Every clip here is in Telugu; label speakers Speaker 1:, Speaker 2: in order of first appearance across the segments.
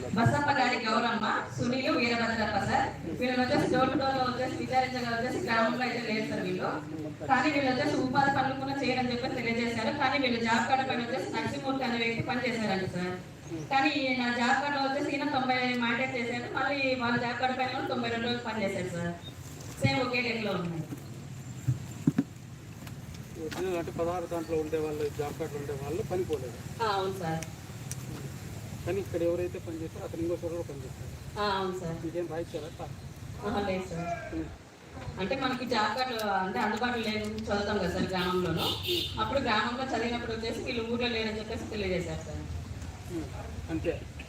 Speaker 1: బసమ్మ గారి గౌరమ్మ, సునీలు, వీరభద్రప్ప సార్. వీళ్ళు వచ్చేసి డోర్ టు డోర్ వచ్చేసి విచారించగా వచ్చేసి గ్రామంలో అయితే లేదు సార్ వీళ్ళు. కానీ వీళ్ళు వచ్చేసి ఉపాధి పనులు కూడా చేయరని చెప్పి తెలియజేశారు. కానీ వీళ్ళు జాబ్ కార్డు పైన వచ్చేసి నరసింహమూర్తి అనే వ్యక్తి పనిచేశారండి సార్. కానీ నా జాబ్ కార్డులో వచ్చేసి ఈయన 90 మాండేట్ చేశారు. మళ్ళీ వాళ్ళ జాబ్ కార్డు పైన 92 రోజులు పనిచేశారు సార్. సేమ్ ఒకే డేట్లో ఉన్నాయి.
Speaker 2: అంటే 16 దాంట్లో ఉండే వాళ్ళు, జాబ్ కార్డులు ఉండే వాళ్ళు పనిపోలేదు.
Speaker 1: అవును సార్.
Speaker 2: కానీ ఇక్కడ ఎవరైతే పనిచేస్తారో అతను ఇంకో చోట పనిచేస్తారు.
Speaker 1: అవును సార్.
Speaker 2: మీకేం రాయిచ్చారా?
Speaker 1: లేదు సార్. అంటే మనకి జాబ్ కార్డు అంటే అందుబాటులో లేదు, చదువుతాం కదా సార్ గ్రామంలోనూ. అప్పుడు గ్రామంలో చదివినప్పుడు వచ్చేసి వీళ్ళు ఊళ్ళో లేదని చెప్పేసి తెలియజేశారు సార్.
Speaker 2: అంతే.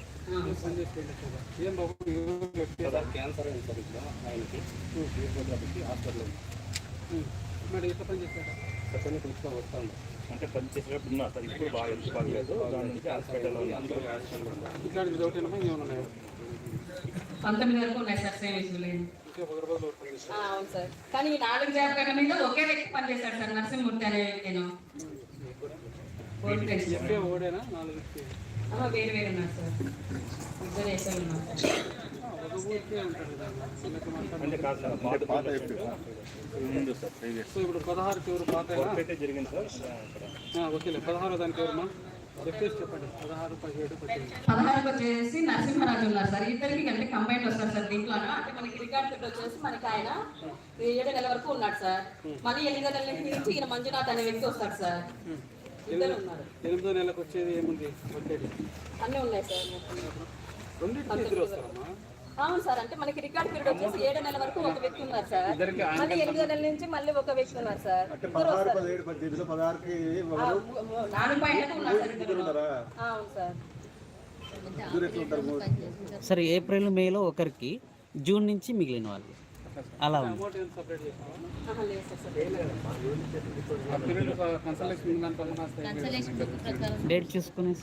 Speaker 2: ఏం బాబు
Speaker 3: క్యాన్సర్ అయింది సార్ ఇక్కడ ఆయనకి హాస్పిటల్లో.
Speaker 2: మరి ఎట్లా పని చేస్తారా?
Speaker 3: చెప్పని తీసుకొని వస్తాను. అంటే పని చేసేటప్పుడు ఉన్నా సార్, ఇప్పుడు బాగా హెల్త్ బాగలేదు. దాని నుంచి హాస్పిటల్లో
Speaker 2: ఇట్లాంటి ఒకటి ఏమైనా ఉన్నాయా?
Speaker 1: 19 వరకు ఉన్నాయి సార్. సేమ్ ఇష్యూ లేదు. అవును సార్. కానీ ఈ 4 జాబ్ కార్డుల మీద ఒకే వ్యక్తి పనిచేశాడు సార్, నరసింహమూర్తి అనే వ్యక్తి.
Speaker 2: ఓడేనా? 4
Speaker 1: వేరు వేరు ఉన్నారు సార్. ఇద్దరు వేసారు ఉన్నారు సార్.
Speaker 3: అంటే కాదు సార్, పాత ముందు సార్ ప్రీవియస్.
Speaker 2: సో ఇప్పుడు 16కి ఎవరు పాత
Speaker 3: జరిగింది సార్ అక్కడ.
Speaker 2: ఓకేలే. 16 దానికి ఎవరమ్మా చెప్పండి. 16, 17, 18.
Speaker 1: 16 వచ్చేసి నరసింహరాజు ఉన్నారు సార్. ఇద్దరికి అంటే కంబైన్ వస్తారు సార్ దీంట్లోనూ. అంటే మనకి రికార్డ్ పెట్టి వచ్చేసి మనకి ఆయన 7 నెలల వరకు ఉన్నాడు సార్. మళ్ళీ 8 నెలల నుంచి ఈయన మంజునాథ్ అనే వ్యక్తి వస్తాడు సార్. ఇద్దరు ఉన్నారు.
Speaker 2: 8వ నెలకు వచ్చేది ఏముంది?
Speaker 1: అన్నీ ఉన్నాయి సార్.
Speaker 2: రెండింటికి వస్తారమ్మా.
Speaker 1: అవును సార్. అంటే మనకి రికార్డ్ పీరియడ్ వచ్చేసి 7 నెలల వరకు ఒక వ్యక్తి ఉన్నారు సార్. మళ్ళీ 8 నెలల నుంచి మళ్ళీ ఒక వ్యక్తి ఉన్నారు సార్.
Speaker 4: 16, 17, 18, 16కి
Speaker 1: 4 పాయింట్లకు ఉన్నారు సార్ ఇద్దరు. అవును సార్.
Speaker 5: సరే, ఏప్రిల్ మేలో ఒకరికి, జూన్ నుంచి మిగిలిన వాళ్ళు అలా ఉంది. డేట్ చూసుకునేసి